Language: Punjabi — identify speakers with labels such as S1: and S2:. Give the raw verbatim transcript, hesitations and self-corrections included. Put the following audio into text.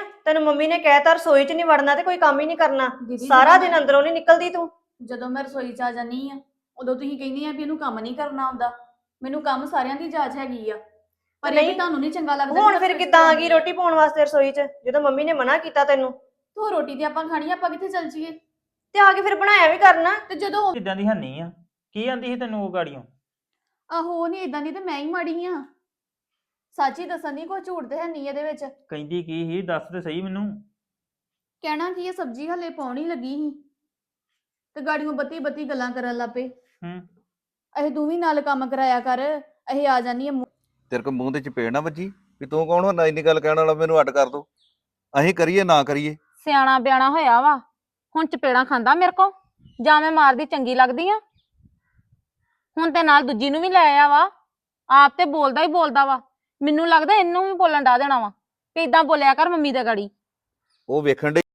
S1: ਤੈਨੂੰ ਮੰਮੀ ਨੇ ਕਹਿਤਾ ਰਸੋਈ 'ਚ ਨਹੀਂ ਵੜਨਾ ਤੇ ਕੋਈ ਕੰਮ ਹੀ ਨਹੀਂ ਕਰਨਾ।
S2: ਦੀਦੀ
S1: ਸਾਰਾ
S2: ਜਦੋਂ
S1: ਦਿਨ
S2: ਮੈਂ
S1: ਅੰਦਰੋਂ ਨਹੀਂ ਨਿਕਲਦੀ ਤੂੰ।
S2: ਜਦੋਂ ਮੈਂ ਰਸੋਈ ਚ ਆ ਜਾਨੀ ਆ ਉਦੋਂ ਤੁਸੀਂ ਕਹਿੰਦੇ ਆ ਵੀ ਇਹਨੂੰ ਕੰਮ ਨਹੀਂ ਕਰਨਾ ਆਉਂਦਾ। ਮੈਨੂੰ ਕੰਮ ਸਾਰਿਆਂ ਦੀ ਜਾਚ ਹੈਗੀ ਆ, ਪਰ ਇਹ ਵੀ
S1: ਨਹੀਂ
S2: ਤੁਹਾਨੂੰ ਨਹੀਂ ਚੰਗਾ ਲੱਗਦਾ।
S1: ਹੁਣ ਫਿਰ ਕਿੱਦਾਂ ਆ ਗਈ ਰੋਟੀ ਪਾਉਣ ਵਾਸਤੇ ਰਸੋਈ 'ਚ ਜਦੋਂ ਮੰਮੀ ਨੇ ਮਨਾ ਕੀਤਾ ਤੈਨੂੰ?
S2: ਤੂੰ ਰੋਟੀ ਤੇ ਆਪਾਂ ਖਾਣੀ ਆ, ਆਪਾਂ ਕਿੱਥੇ ਚੱਲ ਜੀਏ?
S1: ਤੇ ਆ ਕੇ ਫਿਰ ਬਣਾਇਆ ਵੀ ਕਰਨਾ।
S2: ਤੇ ਜਦੋਂ
S3: ਇਦਾਂ ਦੀ ਹੈਨੀ ਆ। ਕੀ ਆਂਦੀ ਸੀ ਤੈਨੂੰ ਉਹ ਗਾੜੀਆਂ?
S2: ਆਹੋ ਉਹ ਨਹੀਂ ਇਦਾਂ ਦੀ ਤੇ ਮੈਂ ਹੀ ਮਾੜੀ ਆ। ਸੱਚੀ ਦੱਸਣ ਦੀ ਕੋਈ ਝੂਠ ਤੇ ਹੈ ਨਹੀਂ ਇਹਦੇ ਵਿੱਚ।
S3: ਕਹਿੰਦੀ ਕੀ ਸੀ ਦੱਸ ਤੇ ਸਹੀ ਮੈਨੂੰ।
S2: ਕਹਿਣਾ ਕੀ ਇਹ ਸਬਜ਼ੀ ਹਲੇ ਪਾਉਣੀ ਲੱਗੀ ਸੀ ਤੇ ਗਾੜੀਆਂ ਬੱਤੀ ਬੱਤੀ ਗੱਲਾਂ ਕਰਨ ਲੱਪੇ।
S3: ਹੂੰ
S2: ਇਹ ਤੂੰ ਵੀ ਨਾਲ ਕੰਮ ਕਰਾਇਆ ਕਰ, ਇਹ ਆ ਜਾਨੀ ਆ।
S4: ਤੇਰੇ ਕੋ ਮੂੰਹ ਤੇ ਚਪੇੜ ਨਾ ਵੱਜੀ ਵੀ ਤੂੰ ਕੌਣ ਹੁੰਦਾ ਇੰਨੀ ਗੱਲ ਕਹਿਣ ਵਾਲਾ? ਮੈਨੂੰ ਅੱਡ ਕਰ ਦੋ, ਅਸੀਂ ਕਰੀਏ ਨਾ ਕਰੀਏ।
S5: ਸਿਆਣਾ ਬਿਆਣਾ ਹੋਇਆ ਵਾ, ਹੁਣ ਚਪੇੜਾਂ ਖਾਂਦਾ ਮੇਰੇ ਕੋ? ਜਾਂ ਮੈਂ ਮਾਰਦੀ ਚੰਗੀ ਲੱਗਦੀ ਆ? ਹੁਣ ਤੇ ਨਾਲ ਦੂਜੀ ਨੂੰ ਵੀ ਲੈ ਆਇਆ ਵਾ, ਆਪ ਤੇ ਬੋਲਦਾ ਹੀ ਬੋਲਦਾ ਵਾ। ਮੈਨੂੰ ਲੱਗਦਾ ਇਹਨੂੰ ਵੀ ਬੋਲਣ ਡਾ ਦੇਣਾ ਵਾ ਵੀ ਏਦਾਂ ਬੋਲਿਆ ਕਰ ਮੰਮੀ ਦੇ ਗਾੜੀ।
S4: ਉਹ ਵੇਖਣ ਦੇ